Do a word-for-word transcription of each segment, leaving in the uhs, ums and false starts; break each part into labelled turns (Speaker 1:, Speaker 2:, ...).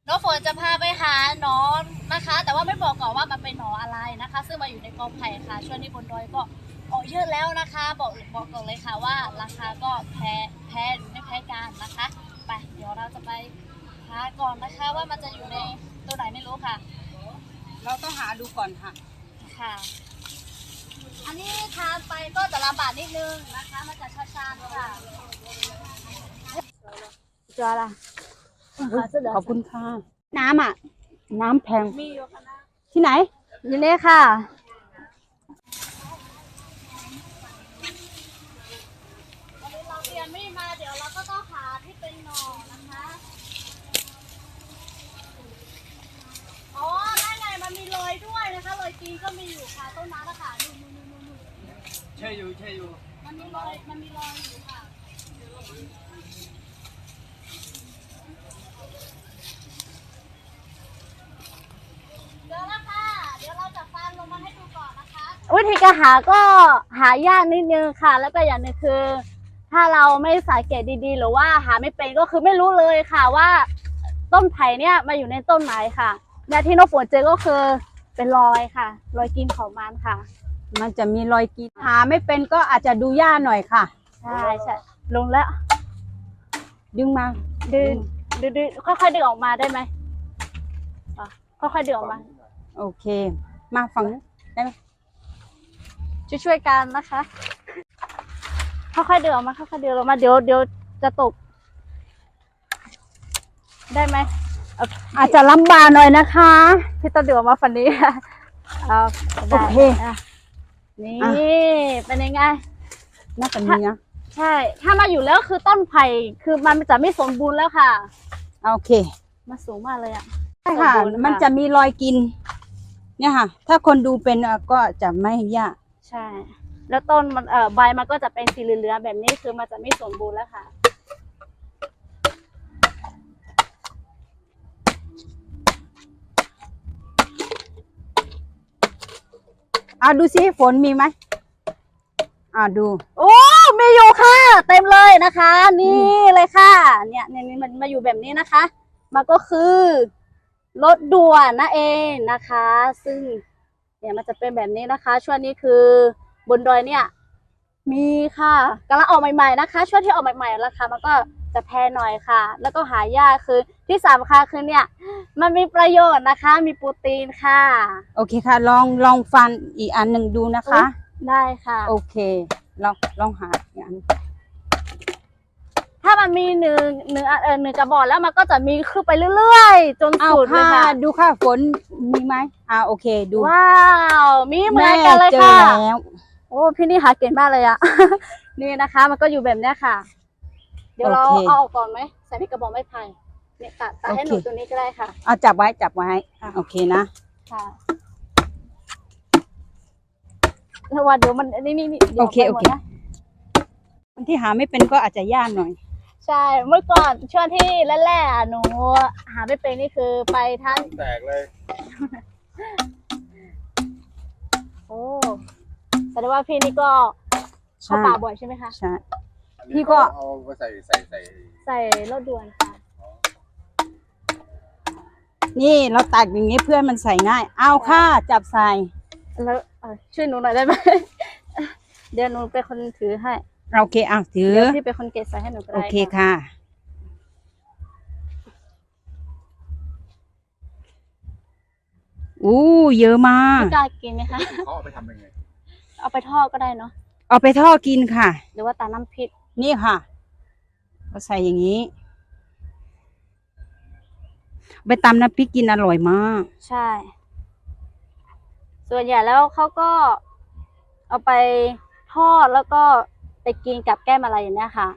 Speaker 1: น้องฝนจะพาไปหาหนอนนะคะ แต่ว่าไม่บอกก่อนว่ามันเป็นหนอนอะไรนะคะ ซึ่งมาอยู่ในกอไผ่ค่ะช่วงนี้บนดอยก็ออกเยอะแล้วนะคะ บอกบอกก่อนเลยค่ะว่าราคาก็แพ้แพ้ไม่แพ้กันนะคะไปเดี๋ยวเราจะไปหาก่อนนะคะว่ามันจะอยู่ในตัวไหนไม่รู้ค่ะ
Speaker 2: เราต้องหาดูก่อนค่ะ
Speaker 1: ค่ะ อันนี้ทานไปก็จะลำบากนิดนึงนะคะมันจะช้าๆค่ะจอละ
Speaker 2: ขอบคุณค่ะน้ำอ่ะน้ำแพง
Speaker 1: มีอยู่ค่ะนะ
Speaker 2: ที่ไหน
Speaker 1: อยู่นี่ค่ะวันนี้เราเรียนไม่มาเดี๋ยวเราก็ต้องหาที่เป็นหน่อนะคะอ๋อได้ไงมันมีรอยด้วยนะคะรอยตีนก็มีอยู่ค่ะต้นน้ำนะคะนู่นนู่นนู่นนู่น
Speaker 3: ใช่อยู่ใช่อยู่
Speaker 1: มันมีรอยมันมีรอยอยู่ค่ะเดี๋ยวละค่ะเดี๋ยวเราจะฟันลงมาให้ดูก่อนนะคะวิธีการหาก็หายากนิดนึงค่ะแล้วก็อย่างหนึงคือ ถ้าเราไม่สังเกตดีๆหรือว่าหาไม่เป็นก็คือไม่รู้เลยค่ะว่าต้นไผ่เนี่ยมาอยู่ในต้นไหนค่ะและที่น้องฝนเจอก็คือเป็นรอยค่ะรอยกินของมันค่ะ
Speaker 2: มันจะมีรอยกีหาไม่เป็นก็อาจจะดูยากหน่อยค่ะ
Speaker 1: ใช่ใช่ลงแล้ว
Speaker 2: ดึงมา
Speaker 1: ดึงดึงดึงค่อยๆดึงออกมาได้ไหมอ่ะค่อยๆดึงออกมา
Speaker 2: โอเคมาฝั่งนี้ได้ไหม
Speaker 1: ช่วยๆกันนะคะค่อยๆดึงออกมาค่อยๆดึงออกมาเดี๋ยวเดี๋ยวจะตกได้ไหม
Speaker 2: อาจจะลำบากหน่อยนะคะ
Speaker 1: พี่ต้องดึงออกมาฝั่งนี้เอาโอเคนี่เป็นยังไง
Speaker 2: น่าจะมีนะ
Speaker 1: ใช่ถ้ามาอยู่แล้วคือต้นไผ่คือมันจะไม่สมบูรณ์แล้วค่ะ
Speaker 2: โอเค
Speaker 1: มาสูงมากเลยอ่ะ
Speaker 2: ใช่ค่ะมันจะมีรอยกินเนี่ยค่ะถ้าคนดูเป็นก็จะไม่ยาก
Speaker 1: ใช่แล้วต้นมันเอ่อใบมันก็จะเป็นสีเหลืองๆแบบนี้คือมันจะไม่สมบูรณ์แล้วค่ะ
Speaker 2: อ่ะดูสิฝนมีไหมอ่ะดู
Speaker 1: โอ้มีอยู่ค่ะเต็มเลยนะคะนี่เลยค่ะเนี่ยเนี่ยมันมาอยู่แบบนี้นะคะมันก็คือรถด่วนนั่นเองนะคะ ซึ่งเนี่ยมันจะเป็นแบบนี้นะคะช่วงนี้คือบนดอยเนี่ยมีค่ะกำลังออกใหม่ๆนะคะช่วงที่ออกใหม่ๆราคามันก็จะแพงหน่อยค่ะแล้วก็หายากคือที่สำคัญคือเนี่ยมันมีประโยชน์นะคะมีโปรตีนค่ะ
Speaker 2: โอเคค่ะลองลองฟันอีกอันหนึ่งดูนะคะ
Speaker 1: ได้ค่ะ
Speaker 2: โอเคลองลองหาอีกอัน
Speaker 1: ถ้ามันมีหนึ่งหนึ่งเออหนึ่งกระบอกแล้วมันก็จะมีขึ้นไปเรื่อยๆจนสุดเลยค่ะ
Speaker 2: ดูค่ะฝนมีไหมอ่าโอเคดู
Speaker 1: ว้าวมีเหมือนกันเลยค่ะ
Speaker 2: แล้ว
Speaker 1: โอ้พี่นี่หาเก่งมากเลยอะนี่นะคะมันก็อยู่แบบนี้ค่ะเดี๋ยวเราเอาออกก่อนไหมใส่ที่กระบอกไม้ไผ่เนี่ยตัดตัดให้หนูตัวนี้ก็ได้ค่ะ
Speaker 2: เอาจับไว้จับไว้โอเคนะ
Speaker 1: ค่ะแล้วว่าเดี๋ยวมันนี่นี่นี่
Speaker 2: โอเคโอเคคนที่หาไม่เป็นก็อาจจะยากหน่อย
Speaker 1: ใช่เมื่อก่อนช่วงที่แรกๆหนูหาไม่เป็นนี่คือไปทั้ง
Speaker 3: แตกเลย
Speaker 1: โอ้แสดงว่าพี่นี่ก็เข้าป่าบ่อยใช่ไหมคะ
Speaker 2: ใช่
Speaker 3: พี่ก็เอาไปใส่ใส่ใส่
Speaker 1: ใส่รถด่วนค่ะ
Speaker 2: นี่เราตักอย่างนี้เพื่อนมันใส่ง่ายเอาค่ะจับใส่
Speaker 1: แล้วช่วยหนูหน่อยได้ไหมเดี๋ยวหนูเป็นคนถือให้
Speaker 2: โอเคอ่ะถือ
Speaker 1: เดี๋ยวพี่เป็นคนเก็บใส่ให้หนูก็ได้
Speaker 2: โอเคค่ะอู้เยอะมาก
Speaker 1: พี่กล้ากินไหมคะ
Speaker 3: เขาเอาไปทำยังไง
Speaker 1: เอาไปทอดก็ได้เนาะ
Speaker 2: เอาไปทอดกินค่ะ
Speaker 1: หรือว่าตาน้ำพริก
Speaker 2: นี่ค่ะเราใส่อย่างนี้ไปตำน้ำพริกกินอร่อยมาก
Speaker 1: ใช่ส่วนใหญ่แล้วเขาก็เอาไปทอดแล้วก็ไปกินกับแก้มอะไรอย่างเนี้ยค่ะ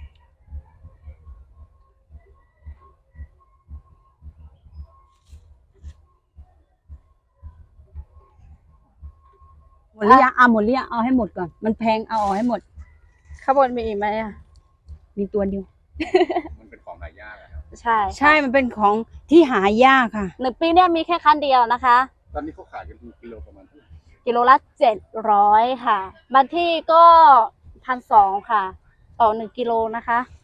Speaker 2: หมดหรือยังเอาหมดหรือยังเอาให้หมดก่อนมันแพงเอาออกให้หมด
Speaker 1: ข้างบนมีอีกไหมอ่ะ
Speaker 2: มีตัวเดียว
Speaker 3: มันเป็นของหายากครับ
Speaker 1: ใช่
Speaker 2: ใช่มันเป็นของที่หายากค่ะ
Speaker 1: หนึ่งปีเนี่ยมีแค่ครั้งเดียวนะคะ
Speaker 3: ตอนนี้เขาขายกันกิโลประมาณเท่าไหร่
Speaker 1: กิโลละเจ็ดร้อยค่ะบางที่ก็พันสองค่ะต่อหนึ่งกิโลนะคะ